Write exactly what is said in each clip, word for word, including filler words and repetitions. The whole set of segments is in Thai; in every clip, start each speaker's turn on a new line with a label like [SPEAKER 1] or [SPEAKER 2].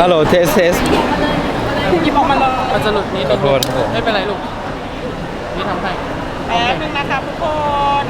[SPEAKER 1] ฮัลโหลเทสเทส
[SPEAKER 2] หยิบออกมาเลย
[SPEAKER 3] มันจะหลุดนิด
[SPEAKER 1] ขอโทษครับผม
[SPEAKER 3] ไม่เป็นไรลูกนี่ทำให้
[SPEAKER 2] แป๊บนึงนะคะทุกคน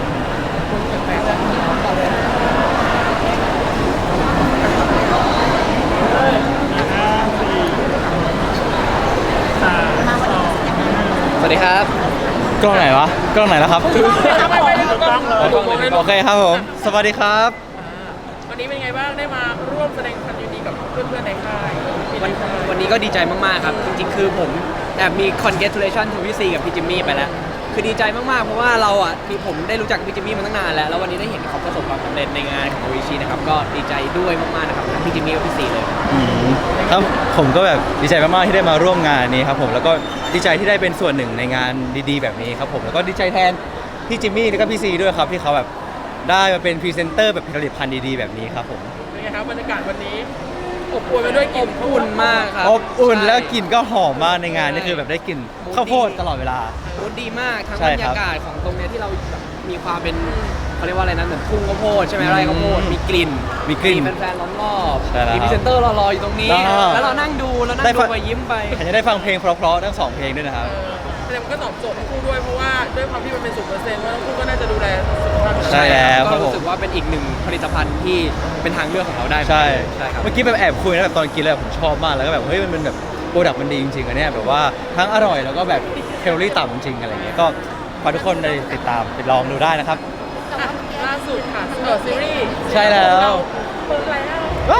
[SPEAKER 3] สวัสดีครับ
[SPEAKER 1] กล้องไหนวะกล้องไหนแล้วครับ
[SPEAKER 2] ไปไปเลยทุกคน
[SPEAKER 1] โอเคครับผมสวัสดีครับ
[SPEAKER 3] วันนี้เป็นไงบ้างได้มาร่วมแสดงความยินดีกับเพื่อนๆในค่าย
[SPEAKER 4] วันวันนี้ก็ดีใจมากๆครับจริงๆคือผมแอบมี congratulation to พี่ซีกับพี่จิมมี่ไปแล้วคือดีใจมากๆเพราะว่าเราอ่ะที่ผมได้รู้จักพี่จิมมี่มาตั้งนานแล้วแล้ววันนี้ได้เห็นเขาประสบความสำเร็จในงานของโออิชินะครับก็ดีใจด้วยมากๆนะครับทั้งพี่จิมมี่และพี่ซีเลย
[SPEAKER 1] อืมครับผมก็แบบดีใจมากๆที่ได้มาร่วมงานนี้ครับผมแล้วก็ดีใจที่ได้เป็นส่วนหนึ่งในงานดีๆแบบนี้ครับผมแล้วก็ดีใจแทนพี่จิมมี่แล้วก็พี่ซีด้วยครับที่เขาแบบได้มาเป็นพรีเซนเตอร์แบบผลิตภัณฑ์ดีๆแบบนี้ครับผม
[SPEAKER 3] เป็นไงครับบรรยากาศวันนี้อบอวลไปด้วยกลิ่น
[SPEAKER 4] อุ่นมากครับ
[SPEAKER 1] อบอุ่น
[SPEAKER 4] ใช่
[SPEAKER 1] แล้วกลิ่นก็หอมมากในงานนี่คือแบบได้กลิ่นข้าวโพดตลอดเวลา
[SPEAKER 4] โอ้ดีมากทั้ง
[SPEAKER 1] ใช่
[SPEAKER 4] บรร
[SPEAKER 1] ครั
[SPEAKER 4] ยา
[SPEAKER 1] บ
[SPEAKER 4] กาศของตรงเนี้ยที่เราแบบมีความเป็นเขาเรียกว่าอะไรนะเหมือนทุ่งข้าวโพดใช่ไหมไร่ข้าวโพดมีกลิ่น
[SPEAKER 1] มีกลิ่น
[SPEAKER 4] แฟนๆล้อมรอบ
[SPEAKER 1] ใช่แล้ว
[SPEAKER 4] มีพรีเซนเตอร์รอๆอยู่ตรงนี้
[SPEAKER 1] แล้ว
[SPEAKER 4] แล้วเรานั่งดูแล้วนั่
[SPEAKER 1] ได้
[SPEAKER 4] งดู
[SPEAKER 1] ฟัง
[SPEAKER 4] ไปยิ้มไป
[SPEAKER 1] อาจจะได้ฟังเพลงเพราะๆทั้งสองเพลงด้วยนะครับ
[SPEAKER 3] แต่มันก็ตอบโจทย์ทั้งคู่ด้วยเพราะว่าด้วยความที่มันเป็นศูนย์เปอร์เซ็นต์ว่าทั้งคู่ก็น่าจะดูแลสุขภาพ
[SPEAKER 1] ใช่แล้วค
[SPEAKER 4] ก็
[SPEAKER 1] รับผม
[SPEAKER 4] รู้สึกว่าเป็นอีกหนึ่งผลิตภัณฑ์ที่เป็นทางเลือกของเราได้
[SPEAKER 1] ใช่
[SPEAKER 4] ใช่ครับ
[SPEAKER 1] เมื่อกี้แบบแอบคุยนะแบบตอนกินแล้วแบบผมชอบมากแล้วก็แบบเฮ้ยมันเป็นแบบโปรดักต์มันดีจริงๆอันเนี้ยแบบว่าทั้งอร่อยแล้วก็แบบแคลอรี่ต่ำจริงๆอะไรเงี้ยก็ฝากทุกคนไปติดตามไปลองดูได้นะครับ
[SPEAKER 3] อ่ะล่าสุดค่ะเออซีรีส์
[SPEAKER 1] ใช่แล้ว
[SPEAKER 3] เปิดแล้ว
[SPEAKER 1] ว้าว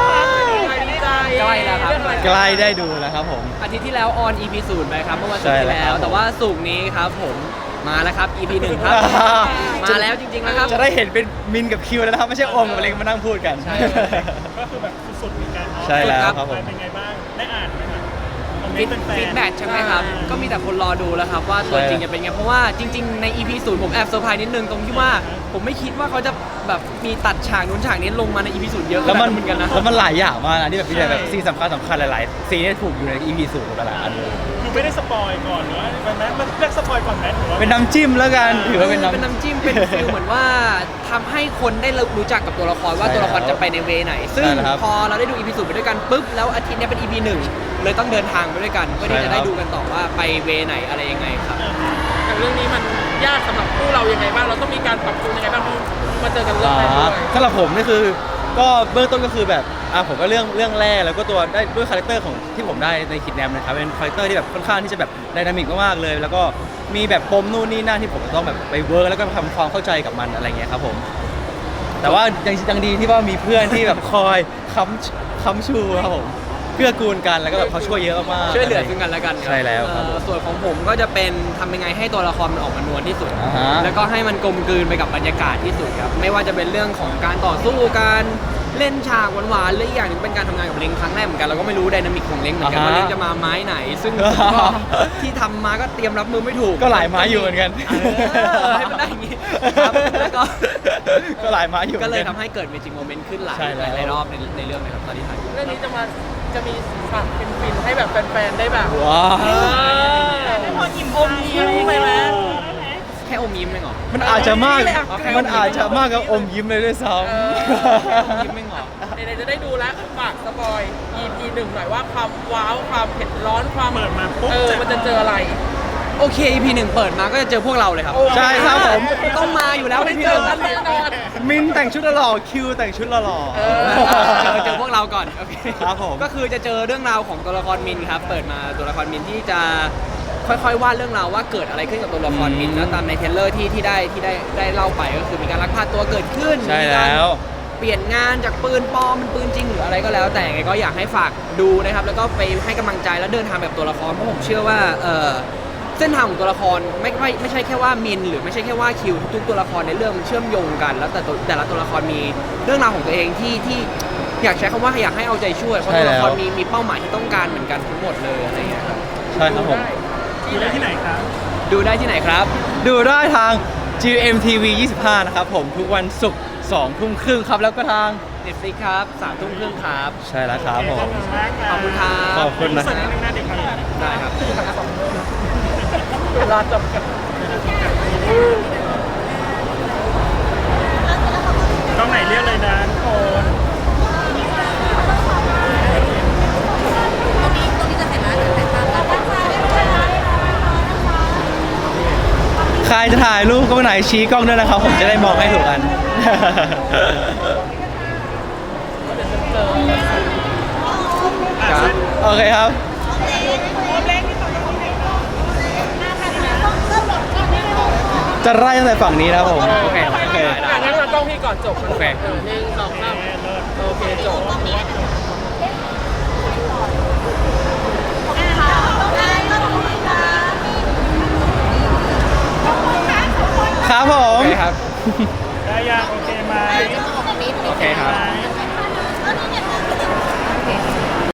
[SPEAKER 3] ดีใจ
[SPEAKER 4] ใกล้แล้วครับ
[SPEAKER 3] เองอะไ
[SPEAKER 1] ใกล้ได้ดูแล้วครับผม
[SPEAKER 4] อาทิตย์ที่แล้วออน อี พี ศูนย์ไปครับเมื่อวันศุก
[SPEAKER 1] ใช่
[SPEAKER 4] ร์ที่
[SPEAKER 1] แล้ว
[SPEAKER 4] แล้ว
[SPEAKER 1] ครับ
[SPEAKER 4] แต่ว่าศุกร์นี้ครับผมมาแล้วครับ อี พี หนึ่งครับ มาแล้วจริงๆนะครับ
[SPEAKER 1] จะได้เห็นเป็นมินกับคิวแล้วนะครับไม่ใช่โอมกับเล็กมานั่งพูดกัน
[SPEAKER 4] ใช่
[SPEAKER 2] ก็คือแบบสุดๆเหมือนกันเนาะ
[SPEAKER 1] ใช่แล้วครับผม
[SPEAKER 2] เป็นไงบ้างได้อ่านไหมครับคอมเม
[SPEAKER 4] ฟี
[SPEAKER 2] น
[SPEAKER 4] ด
[SPEAKER 2] ต์แฟนๆ
[SPEAKER 4] ฟีดแบ็กใช่ไหมครับ ก็มีแต่คนรอดูแล้วครับว่าตัวจริงจะเป็นไง เพราะว่าจริง ๆ ใน อี พี ศูนย์ผมแอบเซอร์ไพรส์นิดนึงตรงที่ว่า ผมไม่คิดว่าเขาจะแบบมีตัดฉากนู้นฉากนี้ลงมาใน อี พี ศูนย์เยอะ
[SPEAKER 1] แล้วมัน
[SPEAKER 4] เหมือนกันนะ
[SPEAKER 1] แล้วมันหลายอย่างมากนะที่แบบที่แบบซีนสำคัญสำคัญหลายๆซีนที่ถูกอยู่ใน อี พี ศูนย์หมดแล้วอันเลย
[SPEAKER 2] คือไม่ได้สปอยก่อนหรือว่าเป็นไหมมันเรียกสปอยก่อนไหมหรือว่า
[SPEAKER 1] เป็นน้ำจิ้มแล้วกันถือว่าเป็นน้ำ
[SPEAKER 4] เป็นน้ำจิ้มเป็นฟิลเหมือนว่าทำให้คนได้รู้จักกับตัวละครว่า
[SPEAKER 1] ใช่
[SPEAKER 4] ตัวละครจะไปในเวไหน ซึ่ง
[SPEAKER 1] ใช่แล้วครับ
[SPEAKER 4] พอเราได้ดู อี พี ศูนย์ไปด้วยกันปุ๊บแล้วอาทิตย์เนี้ยเป็น อี พี หนึ่งเลยต้องเดินทางไปด้วยกันเพื่อที่
[SPEAKER 1] ใช่
[SPEAKER 4] จะ
[SPEAKER 1] แล้ว
[SPEAKER 4] ได้ดูกันต่อว่าไปเวไหนอะไรยังไงครับ
[SPEAKER 3] แต่เรื่องนี้มันยากสำหรับคู่เรายังไงบ้างเราต้องมีการปรับตัวยังไงบ้างเพราะมาเจอกันเรื่องแรกด้วย
[SPEAKER 1] สำหรับผมนี่คือก็เบื้องต้นก็คือแบบอ่ะผมก็เรื่องเรื่องแรกแล้วก็ตัวได้ด้วยคาแรคเตอร์ของที่ผมได้ในคิดแนมนะครับเป็นคาแรคเตอร์ที่แบบค่อนข้างที่จะแบบไดนามิกมากๆเลย แล้วก็มีแบบปมนู่นนี่นั่นที่ผมต้องแบบไปเวิร์กแล้วก็ทำความเข้าใจกับมันอะไรเงี้ยครับผมแต่ว่ายังยังดีที่ว่ามีเพื่อนที่แบบคอยค้ำค้ำชูครับผมเกื้อกูลกันแล้วก็แบบเขาช่วยเยอะมากๆ
[SPEAKER 4] ช่วยเหลือซึ่งกันและกันครับ
[SPEAKER 1] ใช่แล้วครับผม
[SPEAKER 4] เอ่อส่วนของผมก็จะเป็นทำยังไงให้ตัวละครมันออกมานวลที่สุด
[SPEAKER 1] อ่าฮะ
[SPEAKER 4] แล้วก็ให้มันกลมกลืนไปกับบรรยากาศที่สุดครับไม่ว่าจะเป็นเรื่องของการต่อสู้การเล่นฉากหวานๆหรืออีกอย่างหนึงเป็นการทำงานกับเล้งครั้งแรกเหมือนกันเราก็ไม่รู้ไดนามิกของเล้งเหมือนกัน
[SPEAKER 1] อ่าฮะ
[SPEAKER 4] ว่าเล้งจะมาไม้ไหน ซึ่งผมก็ที่ทำมาก็เตรียมรับมือไม่ถูก
[SPEAKER 1] ก็หลายไม้อยู่เหมือนกัน
[SPEAKER 4] เออให้มันได้อย่างงี้ครับแล้วก็
[SPEAKER 1] ก็หลายไม้อยู่หมื
[SPEAKER 4] ก็
[SPEAKER 1] อน
[SPEAKER 4] เลย
[SPEAKER 1] น
[SPEAKER 4] ทำให้เกิดเมจิกโมเมนต์ขึ้นหลาย
[SPEAKER 1] ใช่แล้ว
[SPEAKER 4] หลายรอบในในเรื่องนะครับตอนที่ถ่าย
[SPEAKER 3] เรื่องนี้จะมาจะมีฉากฟินๆให้แบบแฟนๆได้แบบ
[SPEAKER 1] ว้าว
[SPEAKER 3] เอออมยิ้มไปไหม
[SPEAKER 4] แค่อมยิ้มเองเหรอ
[SPEAKER 1] มันอาจจะมาก
[SPEAKER 4] เอาแค่
[SPEAKER 1] มันอาจจะมากกับอมยิ้มเลยด้วยซ้
[SPEAKER 3] เออ
[SPEAKER 4] อมยิ้มเองเหรอ
[SPEAKER 3] ไหนๆจะได้ดูแล้วฝากสปอย อี พี หนึ่งหน่อยว่าความว้าวความเผ็ดร้อนความ
[SPEAKER 2] เปิดมาปุ๊บ
[SPEAKER 3] เออมันจะเจออะไร
[SPEAKER 4] โอเค อี พี หนึ่งเปิดมาก็จะเจอพวกเราเลยครับ
[SPEAKER 1] ำใช่ครับผม
[SPEAKER 4] ต้องมาอยู่แล้ว
[SPEAKER 3] ไม่
[SPEAKER 4] อี พี
[SPEAKER 3] เจ
[SPEAKER 4] ห
[SPEAKER 3] อ
[SPEAKER 4] นึ่ง
[SPEAKER 3] กันแน่นอน
[SPEAKER 1] มินแต่งชุดหล่อคิวแต่งชุดหล่อ
[SPEAKER 3] เอ
[SPEAKER 4] เจอเจอพวกเราก่อนโอเค
[SPEAKER 1] ครับผม
[SPEAKER 4] ก็คือจะเจอเรื่องราวของตัวละครมินครับ เปิดมาตัวละครมินที่จะค่อยๆวาดเรื่องราวว่าเกิดอะไรขึ้นกับตัวละครมินแล้วตามในเทรลเลอร์ที่ที่ได้ที่ได้ได้เล่าไปก็คือมีการลักพาตัวเกิดขึ้น
[SPEAKER 1] ใช่
[SPEAKER 4] มีการ
[SPEAKER 1] แล้ว
[SPEAKER 4] เปลี่ยนงานจากปืนปลอมเป็นปืนจริงหรืออะไรก็แล้วแต่ไงก็อยากให้ฝากดูนะครับแล้วก็ไปให้กำลังใจแล้วเดินทางแบบตัวละครเพราะผมเชื่อว่าเออเส้นทางของตัวละครไม่ไม่ไม่ใช่แค่ว่ามินหรือไม่ใช่แค่ว่าคิวทุกๆตัวละครในเรื่องมันเชื่อมโยงกัน แล้วแต่ตัวแต่ละตัวละครมีเรื่องราวของตัวเองที่ที่อยากใช้คำว่าอยากให้เอาใจช่วยเพราะตัวละครมีมีเป้าหมายที่ต้องการเหมือนกันทั้งหมดเลยอะไรอย่างเงี้ยครับ
[SPEAKER 1] ใช่ครับผม
[SPEAKER 2] อยู่ได้ที่ไหนครับ
[SPEAKER 4] ดูได้ที่ไหนครับ
[SPEAKER 1] ดูได้ทาง จี เอ็ม ที วี ยี่สิบห้า นะครับผมทุกวันศุกร์สองทุ่มครึ่งครับแล้วก็ทาง
[SPEAKER 4] Netflix ครับสามทุ่มครึ่งครับ
[SPEAKER 1] ใช่แล้วครับผม
[SPEAKER 4] ขอบคุณครับ
[SPEAKER 1] ขอบคุณนะ
[SPEAKER 2] ส่วนนึงนะเด็กครับ
[SPEAKER 4] ได้ครับ
[SPEAKER 3] เวลาจำกัด
[SPEAKER 2] กล้องไหนเรียกเลยนะทุกคน
[SPEAKER 1] จะถ่ายรูปก็ไหนชี้กล้องด้วยนะครับ ผมจะได้มองให้ถูกกัน
[SPEAKER 4] ครับ
[SPEAKER 1] โอเคครับ จะไล่ตั้งแต่ฝั่งนี้นะครับผม
[SPEAKER 4] โอเค
[SPEAKER 1] โอเค
[SPEAKER 3] อ่ะงั้นมากล้องพี่ก่อนจบ
[SPEAKER 4] โอเค
[SPEAKER 3] หนึ่งสองสามโอเคจบ
[SPEAKER 1] ครับผม
[SPEAKER 4] โอเคครับ